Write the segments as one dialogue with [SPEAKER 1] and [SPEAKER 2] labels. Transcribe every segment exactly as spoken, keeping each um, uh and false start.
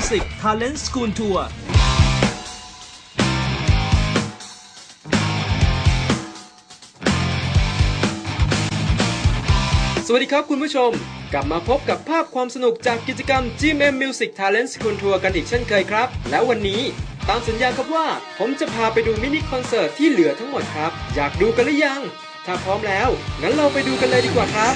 [SPEAKER 1] Music Talent School Tour สวัสดีครับคุณผู้ชมกลับมาพบกับภาพความสนุกจากกิจกรรม จี เอ็ม เอ็ม Music Talent School Tour กันอีกเช่นเคยครับและวันนี้ตามสัญญาครับว่าผมจะพาไปดูมินิคอนเสิร์ตที่เหลือทั้งหมดครับอยากดูกันหรือยังถ้าพร้อมแล้วงั้นเราไปดูกันเลยดีกว่าครับ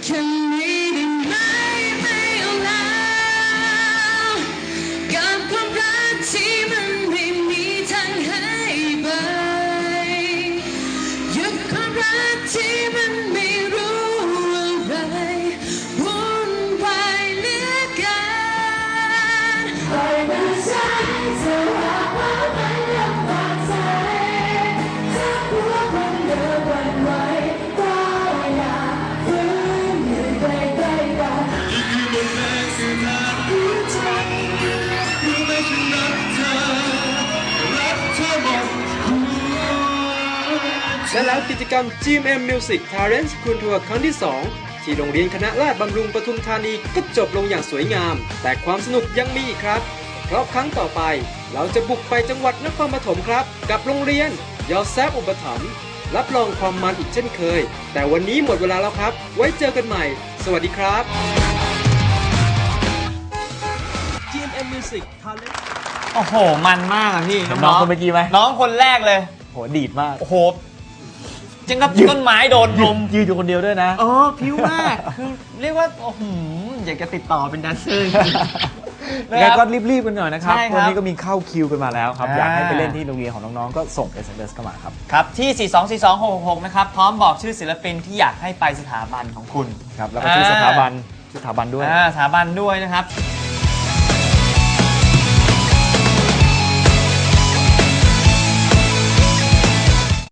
[SPEAKER 1] และแล้วกิจกรรม จี เอ็ม เอ็ม Music Talent School Tour ครั้งที่สองที่โรงเรียนคณะราษฎรบำรุงปทุมธานีก็จบลงอย่างสวยงามแต่ความสนุกยังมีอีกครับเพราะครั้งต่อไปเราจะบุกไปจังหวัดนครปฐมครับกับโรงเรียนยอแซฟอุปถัมภ์รับรองความมันอีกเช่นเคยแต่วันนี้หมดเวลาแล้วครับไว้เจอกันใหม่สวัสดีครับ จี เอ็ม เอ็ม Music Talent
[SPEAKER 2] โอ้โหมันมากอะพี่
[SPEAKER 3] น้องคนเมื่อกี้ไหม
[SPEAKER 2] น้องคนแรกเลย
[SPEAKER 3] โหดีดมาก
[SPEAKER 2] โอ้โหจังกับต้นไม้โดนลม
[SPEAKER 3] ยืนอยู่คนเดียวด้วยนะ
[SPEAKER 2] เออพิ้วมากคือเรียกว่าโอ้โหอยากจะติดต่อเป็นแดนเซอร์
[SPEAKER 3] แล้วก็รีบๆกันหน่อยนะครับ
[SPEAKER 2] ใช่ครับ
[SPEAKER 3] วันนี้ก็มีเข้าคิวกันมาแล้วครับ
[SPEAKER 2] อ่า
[SPEAKER 3] อยากให้ไปเล่นที่โรงเรียนของน้องๆก็ส่ง เอส เอ็ม เอส เข้ามาครับ
[SPEAKER 2] ครับที่ สี่สองสี่สองหกหกหก นะครับพร้อมบอกชื่อศิลปินที่อยากให้ไปสถาบันของคุณ
[SPEAKER 3] ครับแล้วก็ชื่อสถาบันชื่อสถาบันด้วย
[SPEAKER 2] อ่าสถาบันด้วยนะครับ